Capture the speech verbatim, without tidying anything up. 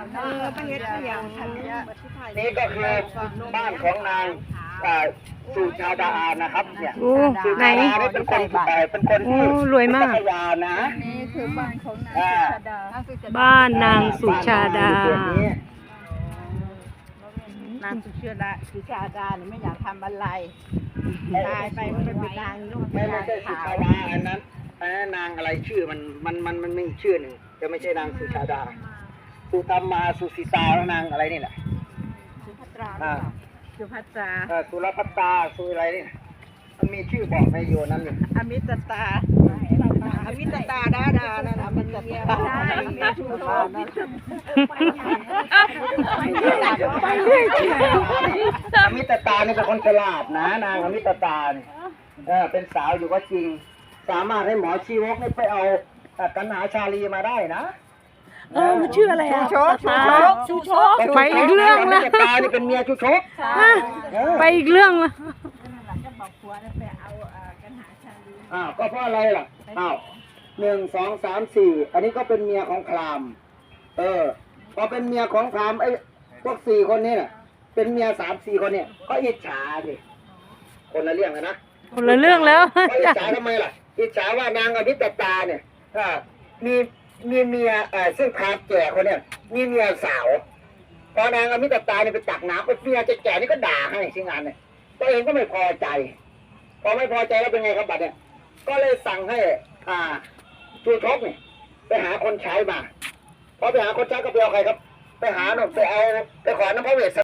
เออเป็นเฮ็ดอย่างนี่ก็คือบ้านของนางสุชาดานะครับเนี่ยโอ้สุไหนชาดาเป็นคนเป็นคนโอ้ที่รวยมากพัทยานะนี่คือบ้านของนางสุชาดาบ้านนางสุชาดานางสุชาดาสุชาดาเนี่ยไม่อยากทำอะไรตายไปมันเป็นนางลูกไม่ไม่นางใช่สุขาวชาดาอันนั้นอันนั้นนางอะไรชื่อมันมันมันมันมีชื่อหนึ่งจะไม่ใช่นางสุชาดาสุธรรมาสุสิตาแล้วนางอะไรนี่แหละสุภัตราอ่าสุภัตราเอ่อสุรพัตตาสุอะไรนี่มันมีชื่อบอกในอยู่นั่นนี่อมิตตาอมิตตาดาดานั่นอมิตตาใช่ชูโตไปเรื่อยอมิตตานี่เป็นคนฉลาดนะนางอมิตตาเนี่ยเออเป็นสาวอยู่ก็จริง สามารถให้หมอชีวกนี่ไปเอากันหาชาลีมาได้นะเออมันชื่ออะไรอ่ะชูโชกชูโชกไปอีกเรื่องอละมิตตานี่เป็นเมียชูชกไปอีกเรื่องละจะบอกผัวไปเอากันหาชาลีอ้าวก็เพราะอะไรล่ะอ้าวหนึ่งสองสามสี่อันนี้ก็เป็นเมียของพราหมณ์เออพอเป็นเมียของพราหมณ์ไอ้พวกสี่คนนี้น่ะเป็นเมียสามสี่คนเนี่ยก็อิจฉาสิคนละเรื่องนะคนละเรื่องแล้วก็อิจฉาทำไมล่ะอิจฉาว่านางอภิตตาเนี่ยอ่ามีมีเมียเอ่อซึ่งพราหมณ์แก่คนเนี่ยมีเมียสาวพอนางอภิตตาเนี่ยไปตักน้ำไปเมียแก่ๆนี่ก็ด่าให้ที่งานเนี่ยตัวเองก็ไม่พอใจพอไม่พอใจแล้วเป็นไงครับบัดเนี่ยก็เลยสั่งให้อ่าชูชกเนี่ยไปหาคนใช้มาพอไปหาคนใช้ก็ไปเอาใครครับไปหาหนุ่มไปเอาไปขอน้ำพระเวส